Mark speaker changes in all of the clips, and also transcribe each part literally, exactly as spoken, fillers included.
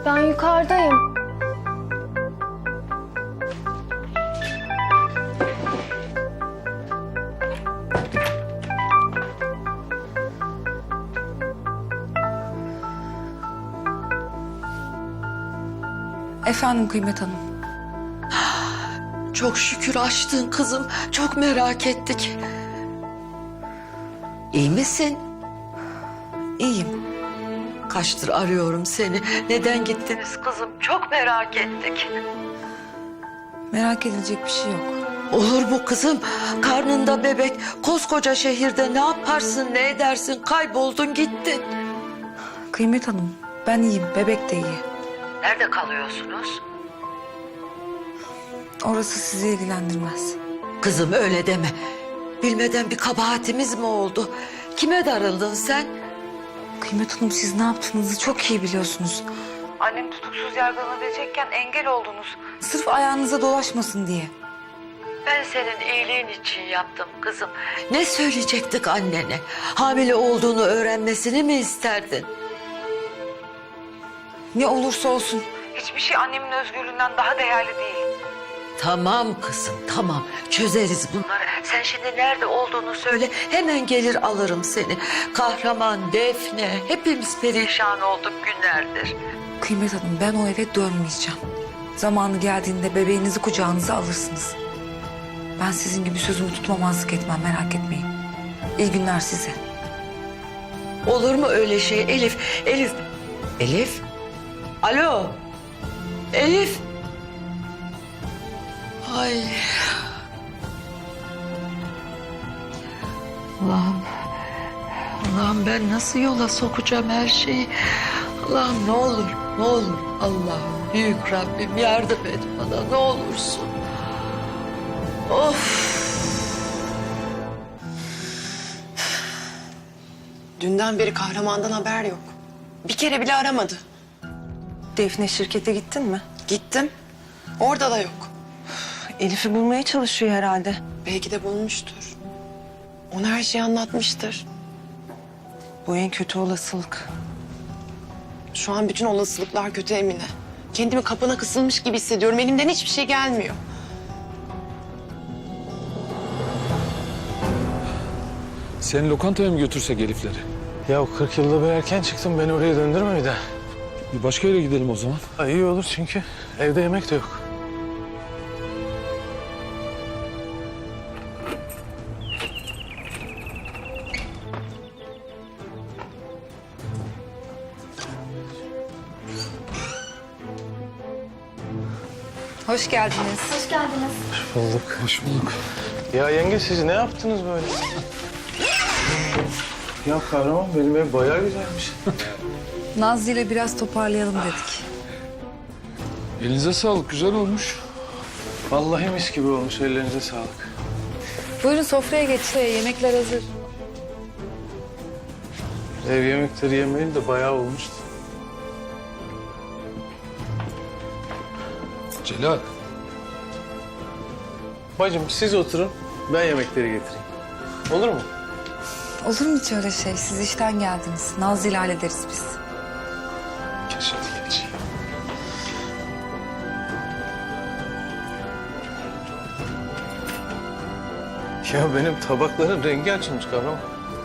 Speaker 1: Ben yukarıdayım.
Speaker 2: Efendim Kıymet Hanım.
Speaker 3: Çok şükür açtın kızım. Çok merak ettik. İyi misin?
Speaker 2: İyiyim.
Speaker 3: Kaçtır arıyorum seni. Neden gittiniz kızım? Çok merak ettik.
Speaker 2: Merak edilecek bir şey yok.
Speaker 3: Olur mu kızım? Karnında bebek, koskoca şehirde ne yaparsın, ne edersin? Kayboldun gittin.
Speaker 2: Kıymet Hanım, ben iyiyim. Bebek de iyi.
Speaker 3: Nerede kalıyorsunuz?
Speaker 2: Orası sizi ilgilendirmez.
Speaker 3: Kızım öyle deme. Bilmeden bir kabahatimiz mi oldu? Kime darıldın sen?
Speaker 2: Kıymet Hanım, siz ne yaptığınızı çok iyi biliyorsunuz. Annem tutuksuz yargılanabilecekken engel oldunuz. Sırf ayağınıza dolaşmasın diye.
Speaker 3: Ben senin iyiliğin için yaptım kızım. Ne söyleyecektik annene? Hamile olduğunu öğrenmesini mi isterdin?
Speaker 2: Ne olursa olsun. Hiçbir şey annemin özgürlüğünden daha değerli değil.
Speaker 3: Tamam kızım, tamam. Çözeriz bunları. Sen şimdi nerede olduğunu söyle. Hemen gelir alırım seni. Kahraman, Defne, hepimiz perişan olduk günlerdir.
Speaker 2: Kıymet Hanım, ben o eve dönmeyeceğim. Zamanı geldiğinde bebeğinizi kucağınıza alırsınız. Ben sizin gibi sözümü tutmamazlık etmem, merak etmeyin. İyi günler size.
Speaker 3: Olur mu öyle şey Elif? Elif, Elif? Alo, Elif? Ay. Allah'ım, Allah'ım ben nasıl yola sokacağım her şeyi? Allah'ım ne olur, ne olur. Allah'ım büyük Rabbim yardım et bana ne olursun. Of.
Speaker 4: Dünden beri kahramandan haber yok. Bir kere bile aramadı.
Speaker 5: Defne, şirkete gittin mi?
Speaker 4: Gittim. Orada da yok.
Speaker 5: Elif'i bulmaya çalışıyor herhalde.
Speaker 4: Belki de bulmuştur. Ona her şeyi anlatmıştır.
Speaker 5: Bu en kötü olasılık.
Speaker 4: Şu an bütün olasılıklar kötü Emine. Kendimi kapına kısılmış gibi hissediyorum. Elimden hiçbir şey gelmiyor.
Speaker 6: Seni lokantaya mı götürsek Elif'leri?
Speaker 7: Ya kırk yılda bir erken çıktım. Beni oraya döndürme bir daha.
Speaker 6: Bir başka yere gidelim o zaman.
Speaker 7: Ha, iyi olur çünkü evde yemek de yok.
Speaker 2: Hoş geldiniz.
Speaker 1: Hoş geldiniz.
Speaker 7: Hoş bulduk.
Speaker 6: Hoş bulduk.
Speaker 7: Ya yenge siz ne yaptınız böyle? Ya kahraman benim ev bayağı güzelmiş.
Speaker 2: Nazlı ile biraz toparlayalım dedik.
Speaker 6: Elinize sağlık, güzel olmuş.
Speaker 7: Vallahi mis gibi olmuş, ellerinize sağlık.
Speaker 2: Buyurun sofraya geçin. Yemekler hazır.
Speaker 7: Ev yemekleri yemeyeli de bayağı olmuştu.
Speaker 6: Celal,
Speaker 7: Bacım siz oturun, ben yemekleri getireyim. Olur mu?
Speaker 2: Olur mu hiç öyle şey? Siz işten geldiniz. Nazlı ile hallederiz biz.
Speaker 6: geç hadi geç.
Speaker 7: Ya benim tabakların rengi açılmış kahraman.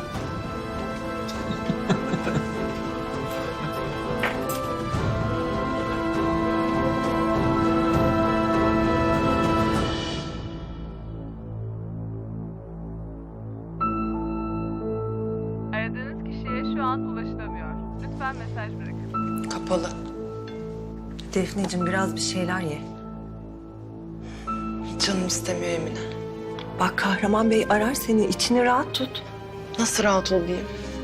Speaker 8: Aradığınız kişiye şu an ulaşılamıyor. Lütfen mesaj bırakın.
Speaker 4: Kapalı.
Speaker 5: Defneciğim, biraz bir şeyler ye.
Speaker 4: Canım istemiyor Emine.
Speaker 5: Bak, Kahraman Bey arar seni, içini rahat tut.
Speaker 4: Nasıl rahat olayım?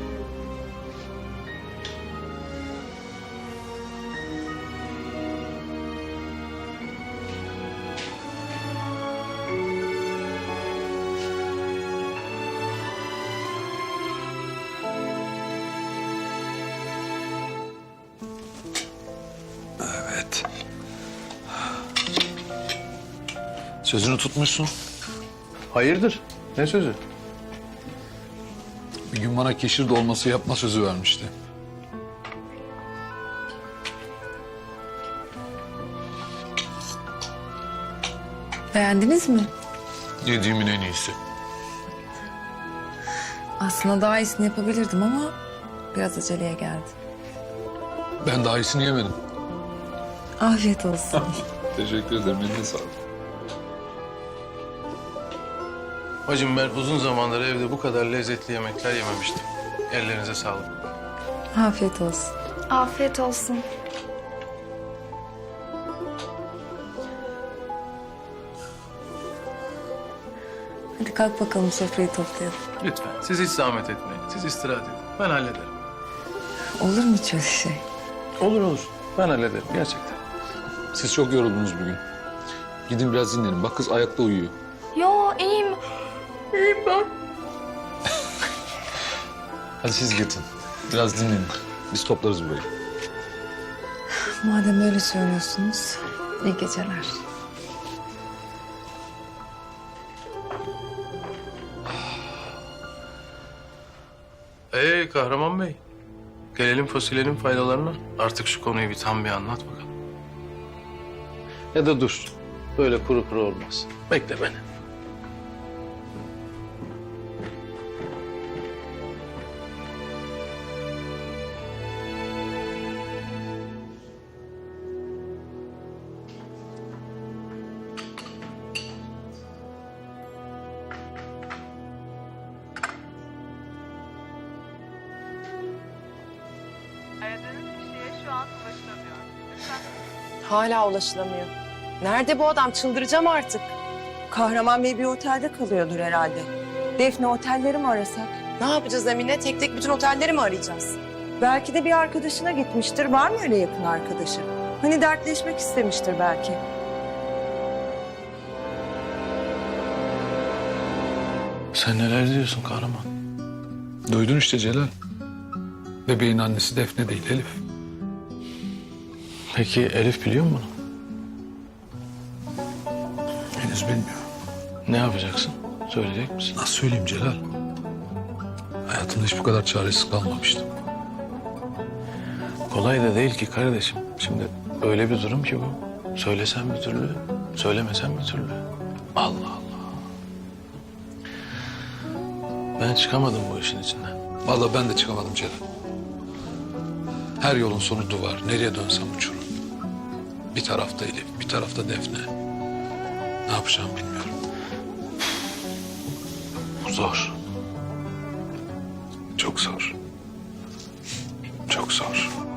Speaker 6: Evet. Sözünü tutmuşsun.
Speaker 7: Hayırdır? Ne sözü?
Speaker 6: Bir gün bana keşir dolması yapma sözü vermişti.
Speaker 2: Beğendiniz mi?
Speaker 6: Yediğimin en iyisi.
Speaker 2: Aslında daha iyisini yapabilirdim ama biraz aceleye geldi.
Speaker 6: Ben daha iyisini yemedim.
Speaker 2: Afiyet olsun.
Speaker 6: Teşekkür ederim. Eline sağlık.
Speaker 7: Bacım ben uzun zamandır evde bu kadar lezzetli yemekler yememiştim. Ellerinize sağlık.
Speaker 2: Afiyet olsun.
Speaker 1: Afiyet olsun.
Speaker 2: Hadi kalk bakalım, sofrayı toplayalım.
Speaker 7: Lütfen siz hiç zahmet etmeyin. Siz istirahat edin. Ben hallederim.
Speaker 2: Olur mu hiç öyle şey?
Speaker 7: Olur olur. Ben hallederim gerçekten.
Speaker 6: Siz çok yoruldunuz bugün. Gidin biraz dinlenin. Bak kız ayakta uyuyor.
Speaker 1: Yo iyiyim.
Speaker 6: Hadi siz gidin. Biraz dinlenin. Biz toplarız burayı.
Speaker 2: Madem öyle söylüyorsunuz, iyi geceler.
Speaker 7: Ee Kahraman Bey. Gelelim fasulyenin faydalarına. Artık şu konuyu bir tam bir anlat bakalım. Ya da dur. Böyle kuru kuru olmaz. Bekle beni.
Speaker 8: Aradığınız kişiye şu an ulaşılamıyor. Lütfen
Speaker 4: Hala ulaşılamıyor. Nerede bu adam? Çıldıracağım artık.
Speaker 5: Kahraman Bey bir otelde kalıyordur herhalde. Defne otelleri mi arasak?
Speaker 4: Ne yapacağız Emine? Tek tek bütün otelleri mi arayacağız?
Speaker 5: Belki de bir arkadaşına gitmiştir. Var mı öyle yakın arkadaşı? Hani dertleşmek istemiştir belki.
Speaker 7: Sen neler diyorsun Kahraman?
Speaker 6: Duydun işte Celal. Bebeğin annesi Defne değil Elif.
Speaker 7: Peki Elif biliyor mu bunu?
Speaker 6: Henüz bilmiyorum.
Speaker 7: Ne yapacaksın? Söyleyecek misin?
Speaker 6: Nasıl söyleyeyim Celal? Hayatımda hiç bu kadar çaresiz kalmamıştım.
Speaker 7: Kolay da değil ki kardeşim. Şimdi öyle bir durum ki bu. Söylesen bir türlü, söylemesen bir türlü. Allah Allah. Ben çıkamadım bu işin içinden.
Speaker 6: Vallahi ben de çıkamadım Celal. Her yolun sonu duvar. Nereye dönsem uçurum. Bir tarafta Elif, bir tarafta Defne. Ne yapacağımı bilmiyorum.
Speaker 7: Bu zor.
Speaker 6: Çok zor. Çok zor.